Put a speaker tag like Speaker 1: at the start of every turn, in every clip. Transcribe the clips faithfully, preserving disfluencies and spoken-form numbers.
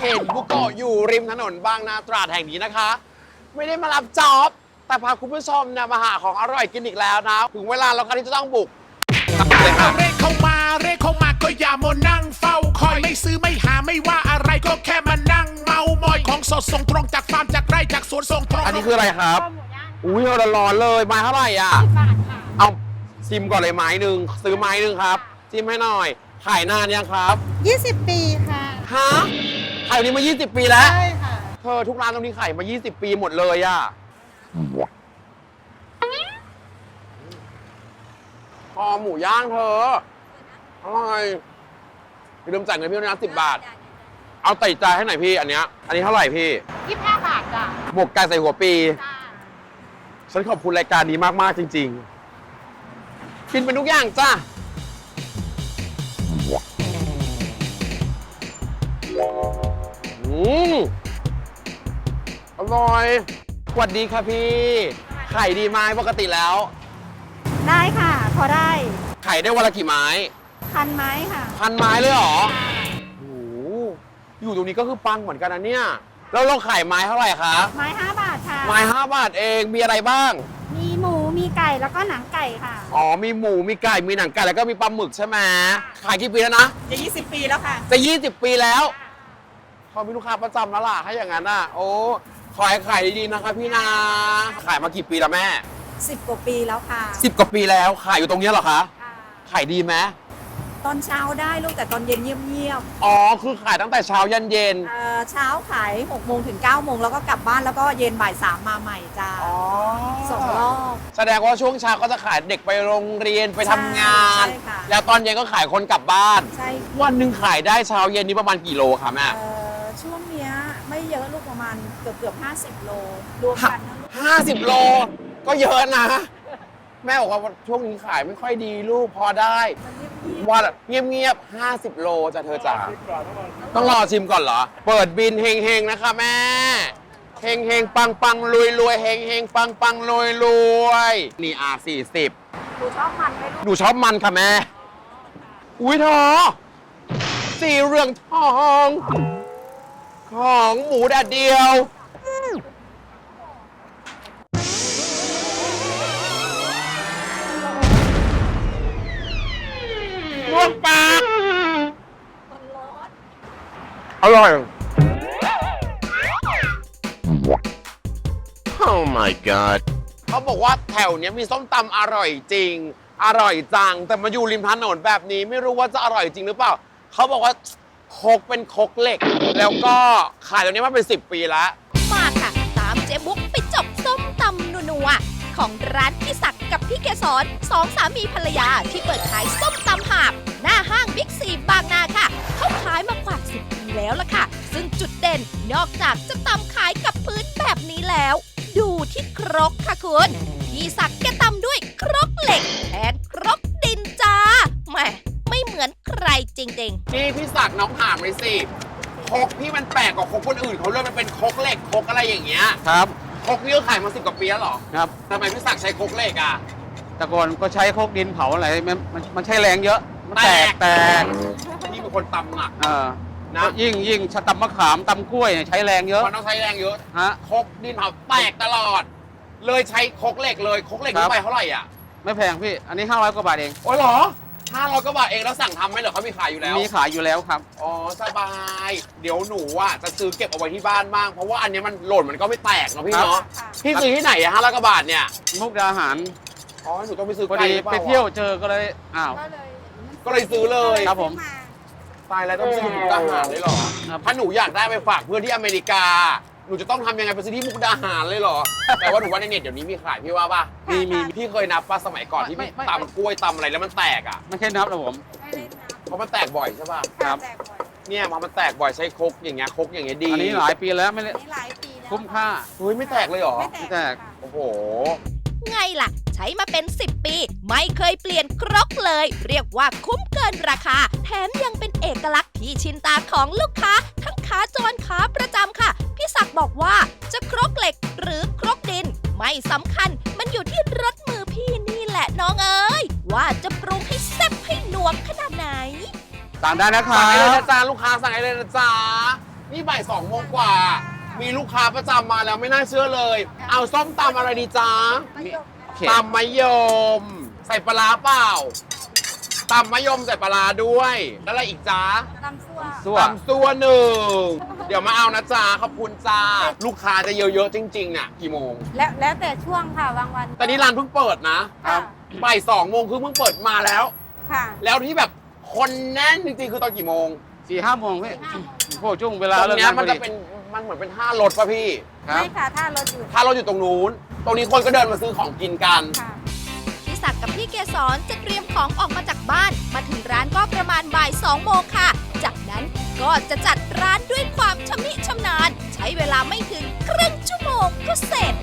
Speaker 1: เห็นบุโกะอยู่ริมถนนบางนาตราดแห่งนี้นะคะ ไม่ได้มารับจ็อบแต่พาคุณผู้ชมเนี่ยมาหาของอร่อยกินอีกแล้วนะถึงเวลาแล้วค่ะที่จะต้องบุกเลยค่ะ
Speaker 2: เรียกเข้ามาเรียกเข้ามาก็อย่ามานั่งเฝ้าคอยไม่ซื้อไม่หาไม่ว่าอะไรก็แค่มานั่งเมามอยของสดส่งตรงจากฟาร์มจากไร่จากสวนส่งตรง
Speaker 1: อันนี้คืออะไรครับอุ้ยร้อนๆเลยไม้เท่าไหร่อ่ะ
Speaker 3: บาทค่ะ
Speaker 1: เอาซิมก่อนเลยไม้หนึ่งซื้อไม้หนึ่งครับจิ้มให้หน่อยขายนานยังครับ
Speaker 3: ยี่สิบปีค่ะ
Speaker 1: ฮะขายแบบนี้มา ยี่สิบ ปีแล้ว
Speaker 3: ใช่ค่ะ
Speaker 1: เธอทุกร้านตรงนี้ขายมา ยี่สิบ ปีหมดเลยอ่ะคอหมูย่างเธออร่อยอย่าลืมจ่ายเงินพี่ด้วยนะสิบบาท เอาไต่ใจให้หน่อยพี่อันเนี้ยอันนี้เท่าไหร่พี่
Speaker 3: ยี่สิบห้าบาทจ้ะ
Speaker 1: หมวกไก่ใส่หัวปี
Speaker 3: จ้า
Speaker 1: ฉันขอบคุณรายการนี้มาก ๆ จริง ๆ กินเป็นทุกอย่างจ้าอืมอร่อยสวัสดีค่ะพี่ไข่ดีไหมปกติแล้ว
Speaker 3: ได้ค่ะ พอได้
Speaker 1: ไข่ได้วันละกี่ไม้
Speaker 3: พันไม้ค่ะ
Speaker 1: พันไม้เลยเหรอโอ้โหอยู่ตรงนี้ก็คือปังเหมือนกันนะเนี่ย แล้วเราขายไม้เท่าไหร่คะ
Speaker 3: ไม้ห้าบาทค่ะ
Speaker 1: ไม้ห้าบาทเอง มีอะไรบ้าง
Speaker 3: มีหมู มีไก่ แล้วก็หนังไก่ค่ะ
Speaker 1: อ๋อ มีหมู มีไก่ มีหนังไก่ แล้วก็มีปลาหมึกใช่ไหมขายกี่ปีแล้วนะ
Speaker 3: จะยี่สิบปีแล้วค่ะ
Speaker 1: จะ ยี่สิบ ปีแล้วเขามีลูกค้าประจำแล้วล่ะถ้าอย่างนั้นอ่ะ โอ้ขอให้ขายดีๆนะคะพี่นา ขายมากี่ปีแล้วแม่
Speaker 3: สิบกว่าปีแล้วค่ะ
Speaker 1: สิบกว่าปีแล้ว ขายอยู่ตรงเนี้ยเหรอคะ ขายดีไหม
Speaker 3: ตอนเช้าได้ลูกแต่ตอนเย็นเงียบ
Speaker 1: อ๋อ คือขายตั้งแต่เช้ายันเย็น
Speaker 3: ๆเอ่อเช้าขายหกโมงถึงเก้าโมงแล้วก็กลับบ้านแล้วก็เย็นบ่ายสามมาใหม่จ้า
Speaker 1: อ๋อ
Speaker 3: สองรอบ
Speaker 1: แสดงว่าช่วงเช้าก็จะขายเด็กไปโรงเรียนไปทำงาน
Speaker 3: ใช่ค่ะ
Speaker 1: แล้วตอนเย็นก็ขายคนกลับบ้าน
Speaker 3: ใช่
Speaker 1: วันหนึ่งขายได้เช้าเย็นนี้ประมาณกี่โลคะแม่
Speaker 3: เอ่อช่วงเนี้ยไม่เยอะลูกประมาณเกือบเกือบห้าสิบโลรวมกันทั้งลูก
Speaker 1: ห้าสิบโล ก็เยอะนะ แม่บอกว่าช่วงนี้ขายไม่ค่อยดีลูกพอได้ วันเงียบๆห้าสิบโลจะเธอจ๋าต้องรอชิมก่อนเหรอ เปิดบินเฮงๆนะคะแม่ เฮงเฮงปังปังรวยรวยเฮงเฮงปังปังรวยรวยนี่อ่ะสี่สิบ
Speaker 3: หนูชอบมันไหมลูก
Speaker 1: หนูชอบมันค่ะแม่ อุ้ยเธอสีเหลืองทอง ของหมูแดดเดียวลวกปากอร่อย
Speaker 2: Oh my god
Speaker 1: เขาบอกว่าแถวเนี้ยมีส้มตำอร่อยจริง อร่อยจัง แต่มาอยู่ริมถนนแบบนี้ไม่รู้ว่าจะอร่อยจริงหรือเปล่า เขาบอกว่าครกเป็นครกเหล็ก แล้วก็ขายตรงนี้มาเป็นสิบปีแล้ว
Speaker 4: มาค่ะ ตามเจ๊บุ๊กไปจบส้มตำนัวๆของร้านพี่ศักดิ์กับพี่เกศรสองสามีภรรยาที่เปิดขายส้มตำหาบหน้าห้างบิ๊กซีบางนาค่ะ เขาขายมากว่าสิบปีแล้วล่ะค่ะ ซึ่งจุดเด่นนอกจากจะตำขายกับพื้นแบบนี้แล้ว ดูที่ครกค่ะคุณพี่ศักดิ์แกตำด้วยครกเหล็กแทนครกดินจ้าแหมไม่เหมือนใครจริงๆ
Speaker 1: นี่พี่ศักดิ์น้องถามเลยสิครกพี่มันแปลกกว่าครกคนอื่นเขาเลยมันเป็นครกเหล็กครกอะไรอย่างเงี้ย
Speaker 5: ครับ
Speaker 1: ครกนี่ก็ขายมาสิบกว่าปีแล้วเหรอ
Speaker 5: ครับ
Speaker 1: ทำไมพี่ศักดิ์ใช้ครกเหล็กอ่ะ
Speaker 5: แต่ก่อนก็ใช้โคกดินเผาอะไรมันมันมันใช้แรงเยอะมันแตก
Speaker 1: แต
Speaker 5: แต
Speaker 1: ก
Speaker 5: ก
Speaker 1: นี่เป็นคนตำหนัก
Speaker 5: เออ
Speaker 1: นะ
Speaker 5: ก็ยิ่งยิ่งชะตำมะขามตำกล้วยเนี่ยใช้แรงเยอะ
Speaker 1: มันต้องใช้แรงเยอะ
Speaker 5: ฮะ
Speaker 1: ครกดินเผาแตกตลอด เลยใช้ครกเหล็กเลยครกเหล็ก
Speaker 5: ครั
Speaker 1: นี่
Speaker 5: บ
Speaker 1: ไปเท่าไหร่อ่ะ
Speaker 5: ไม่แพงพี่ อันนี้ห้าร้อยกว่าบาทเอง
Speaker 1: โอ้ยเหรอห้าร้อยกว่าบาทเองแล้วสั่งทำไหมเหรอเขามีขายอยู่แล้ว
Speaker 5: มีขายอยู่แล้วครับ
Speaker 1: อ๋อสบาย เดี๋ยวหนูอ่ะจะซื้อเก็บเอาไว้ที่บ้านบ้างเพราะว่าอันเนี้ยมันหล่นมันก็ไม่แตกเนาะพี่
Speaker 5: ครับ
Speaker 1: เนาะพี่ซื้อที่ไหนอะห้าร้อยกว่าบาทเนี่ย
Speaker 5: มุกดาหาร
Speaker 1: อ๋อหนูต้องไปซื้อ
Speaker 5: พอ
Speaker 1: ไกล
Speaker 5: ดี
Speaker 1: หรือเป
Speaker 5: ไป
Speaker 1: ล่า
Speaker 5: เที่ยวเจอก็เลยอ้าว
Speaker 3: ก็เลย
Speaker 1: ก็เลยซื้อเลย
Speaker 5: ครับผม
Speaker 1: ตายแล้วต้องไปซื้อที่มุกดาหารเลยเหรอ
Speaker 5: ครับ
Speaker 1: ถ้าหนูอยากได้ไปฝากเพื่อนที่อเมริกา หนูจะต้องทำยังไงไปซื้อที่มุกดาหารเลยเหรอ แต่ว่าหนูว่าในเน็ตเดี๋ยวนี้มีขายพี่ว่าป่ะ
Speaker 5: มีมี
Speaker 1: พี่เคยนับป่ะสมัยก่อนที่
Speaker 5: ไม่
Speaker 1: พี่
Speaker 5: ไม่
Speaker 1: ตำกล้วยตำอะไรแล้วมันแตกอ่ะ
Speaker 5: ไม่ใช่นับนะผม
Speaker 3: ไม่ได้นับ
Speaker 1: เพราะมันแตกบ่อยใช่ป่ะ
Speaker 5: ครับ
Speaker 3: แจกบ่อย
Speaker 1: เนี่ยพอมันแตกบ่อยใช้ครกอย่างเงี้ยครกอย่างเงี้ยดี
Speaker 5: อันนี้หลายปีแล้วไม่ได้
Speaker 3: นี่หลายปีแล้ว
Speaker 5: คุ้มค่า
Speaker 1: เฮ้ยไม่แตกเลยเหรอ
Speaker 3: ไม่
Speaker 5: ไม่
Speaker 3: แต
Speaker 5: แต
Speaker 3: ก
Speaker 5: ก
Speaker 3: ค่ะ
Speaker 1: โอ้โห
Speaker 4: ไงล่ะ ใช้มาเป็น สิบ ปี ไม่เคยเปลี่ยนครกเลย เรียกว่าคุ้มเกินราคา แถมยังเป็นเอกลักษณ์ที่ชินตาของลูกค้า ทั้งขาจรขาประจำค่ะ พี่ศักดิ์บอกว่าจะครกเหล็กหรือครกดิน ไม่สำคัญ มันอยู่ที่รสมือพี่นี่แหละน้องเอ๋ยว่าจะปรุงให้แซ่บให้หนวกขนาดไหน
Speaker 5: สั่งได้นะครั
Speaker 1: สั่งให้เลย
Speaker 5: บ
Speaker 1: นะจ๊ะลูกค้าสั่งให้เลยนะจ๊ะนี่บ่ายสองโมงกว่า มีลูกค้าประจำมาแล้วไม่น่าเชื่อเลย เอาส้มตำอะไรดีจ๊ะ
Speaker 5: โอเค
Speaker 1: ตำมะยม ใส่ปลาร้าเปล่าตำมะยมใส่ปลาร้าด้วยแล้วอะไรอีกจ๊ะ
Speaker 3: ตำซั่ว
Speaker 5: ซั่ว
Speaker 1: ตำตัวหนึ่งเดี๋ยวมาเอานะจ๊ะขอบคุณจ้าลูกค้าจะเยอะๆจริงๆเนี่ยกี่โมง
Speaker 3: แล้วแล้วแต่ช่วงค่ะบางวัน
Speaker 1: แต่นี่ร้านเพิ่งเปิดนะ
Speaker 3: ค่ะ
Speaker 1: บ่ายสองโมงคือเพิ่งเปิดมาแล้ว
Speaker 3: ค่ะ
Speaker 1: แล้วที่แบบคนแน่นจริงๆคือตอนกี่โมง
Speaker 5: สี่ห้าโมงพี่พวกช่วงเวลา
Speaker 1: ตร
Speaker 5: เลิ
Speaker 1: ง
Speaker 5: ก
Speaker 1: เนี้ย
Speaker 5: งานพ
Speaker 1: มัน
Speaker 5: อ
Speaker 1: จะ
Speaker 5: ดี
Speaker 1: เป็นมันเหมือนเป็นห้ารถป่ะพี่
Speaker 5: ครับ
Speaker 3: ไม่ค่ะถ้ารถอยู่
Speaker 1: ถ้ารถอยู่ตรงนู้น ตรงนี้คนก็เดินมาซื้อของกินกัน
Speaker 3: ค่ะ
Speaker 4: พี่ศักดิ์กับพี่เกศรจะเตรียมของออกมาจากบ้าน มาถึงร้านก็ประมาณบ่ายสองโมงค่ะ จากนั้นก็จะจัดร้านด้วยความชำนิชำนาญ ใช้เวลาไม่ถึงครึ่งชั่วโมงก็เสร็จ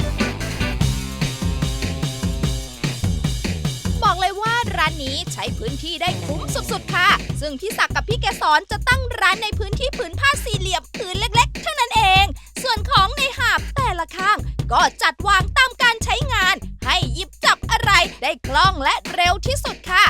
Speaker 4: บอกเลยว่าร้านนี้ใช้พื้นที่ได้คุ้มสุดๆค่ะ ซึ่งพี่ศักดิ์กับพี่เกศรจะตั้งร้านในพื้นที่ผืนผ้าสี่เหลี่ยมผืนเล็กๆ เท่านั้นเอง ส่วนของในหาบแต่ละข้าง ก็จัดวางตามการใช้งาน ให้หยิบจับอะไรได้คล่องและเร็วที่สุดค่ะ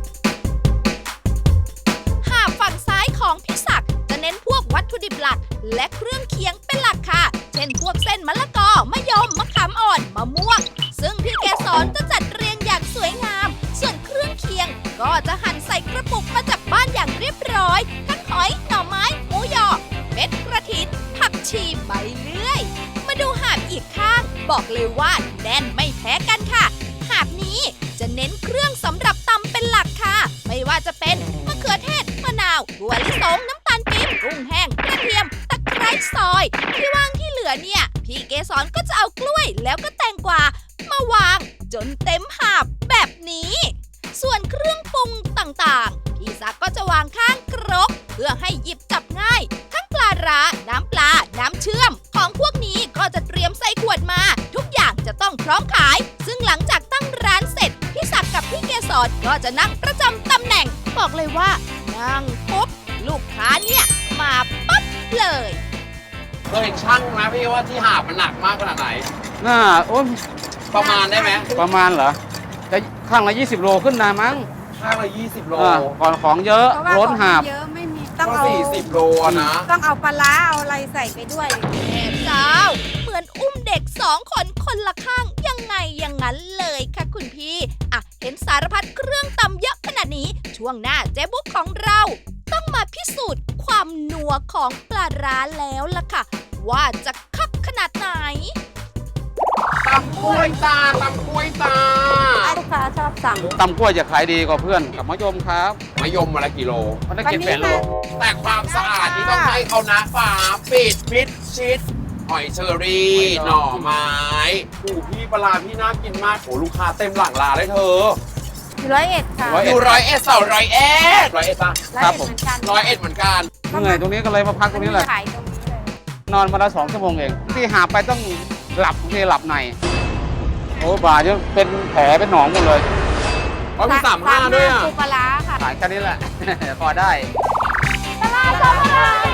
Speaker 4: หาบฝั่งซ้ายของพี่ศักดิ์จะเน้นพวกวัตถุดิบหลัก และเครื่องเคียงเป็นหลักค่ะ เช่นพวกเส้นมะละกอ มะยม มะขามอ่อน มะม่วง ซึ่งพี่เกศรจะจัดเรียงอย่างสวยงาม ส่วนเครื่องเคียงก็จะหั่นใส่กระปุกมาจากบ้านอย่างเรียบร้อย ทั้งหอย หน่อไม้ หมูยอ เม็ดกระถิน ผักชีใบเลื่อย มาดูหาบอีกข้าง บอกเลยว่าแน่นไม่แพ้กันค่ะ หาบนี้จะเน้นเครื่องสำหรับตำเป็นหลักค่ะ ไม่ว่าจะเป็นมะเขือเทศ มะนาวถั่วลิสง น้ำตาลปี๊บกุ้งแห้ง กระเทียม ตะไคร้ซอย ที่ว่างที่เหลือเนี่ย พี่เกสรก็จะเอากล้วยแล้วก็แตงกวามาวาง จนเต็มหาบแบบนี้ ส่วนเครื่องปรุงต่างๆ พี่ศักดิ์ก็จะวางข้างครกเพื่อให้หยิบจับง่าย ทั้งปลาร้า น้ำปลา น้ำเชื่อม ของพวกนี้ก็จะเตรียมใส่ขวดมา ทุกอย่างจะต้องพร้อมขาย ซึ่งหลังจากตั้งร้านเสร็จ พี่ศักดิ์กับพี่เกศรก็จะนั่งประจำตำแหน่ง บอกเลยว่า นั่งปุ๊บ ลูกค้าเนี่ย มาปั๊บเลย
Speaker 1: เคยชั่งไหมพี่ว่าที่หาบมันหนักมากขนาดไหน
Speaker 5: น่าโอ้ย
Speaker 1: ประมาณได้ไหม
Speaker 5: ประมาณเหรอจะข้างละยี่สิบโลขึ้นนะมั้ง
Speaker 1: ข้างละยี่สิบโล
Speaker 5: อ่าก่อนของเยอะ
Speaker 3: เพราะว่า
Speaker 5: ล้นหาบ
Speaker 3: ของเยอะไม่มีต้อง
Speaker 1: ก็
Speaker 3: เอา
Speaker 1: สี่สิบโลอะนะ
Speaker 3: ต้องเอาปลาร้าเอาอะไรใส่ไปด้วย
Speaker 4: แม่เจ้า เหมือนอุ้มเด็กสองคนคนละข้างยังไงอย่างนั้นเลยค่ะคุณพี่ อ่ะ เห็นสารพัดเครื่องตำเยอะขนาดนี้ ช่วงหน้าเจ๊บุ๊กของเรา ต้องมาพิสูจน์ความนัวของปลาร้าแล้วล่ะค่ะ ว่าจะคักขนาดไหน
Speaker 1: ตำกล้วยตาตำกล้วยตา
Speaker 3: ลูกค้าชอบสั่ง
Speaker 5: ตำกล้วยจะขายดีกว่าเพื่อนกับมะยมครับ
Speaker 1: มะยมมาละกี่โล
Speaker 5: มันได้
Speaker 3: วัน
Speaker 5: เก็บ
Speaker 3: นี้
Speaker 5: แปดโล
Speaker 3: ค่ะ
Speaker 1: แต่ความสะอาดนี่ต้องให้เขานะฝาปิดมิดชิด หอยเชอรี่ หน่อไม้โอ้พี่ปลาร้าพี่น่ากินมากโอ้ลูกค้าเต็มหลังร้านเลยเธอ
Speaker 3: อยู่ร้อยเอ็ดค่ะ
Speaker 5: ร้
Speaker 1: อยู่ร้อยเอ็ดเสาร้อยเอ็ดร้อยเอ็ดป่ะ
Speaker 3: ร้อย
Speaker 5: ครับ
Speaker 3: เอ็ด
Speaker 5: ผม
Speaker 3: เหมือนกัน
Speaker 1: ร้อยเอ็ดเหมือนกัน
Speaker 5: เหนื่อยตรงนี้ก็เลยมาพักตรงนี้แหละ
Speaker 3: ขายตรงนี้เลย
Speaker 5: นอนมาละสองชั่วโมงเอง ที่หาไปต้องหลับที่หลับใน โอ้บาดจะเป็นแผลเป็นหนองหมดเลย
Speaker 1: อ๋อมีสามห้าด้วยอ่ะ
Speaker 3: ปูปลาร้าค่ะ
Speaker 5: ขายแค่นี้แหละ พอได้
Speaker 3: ปลาร้าปลาร้า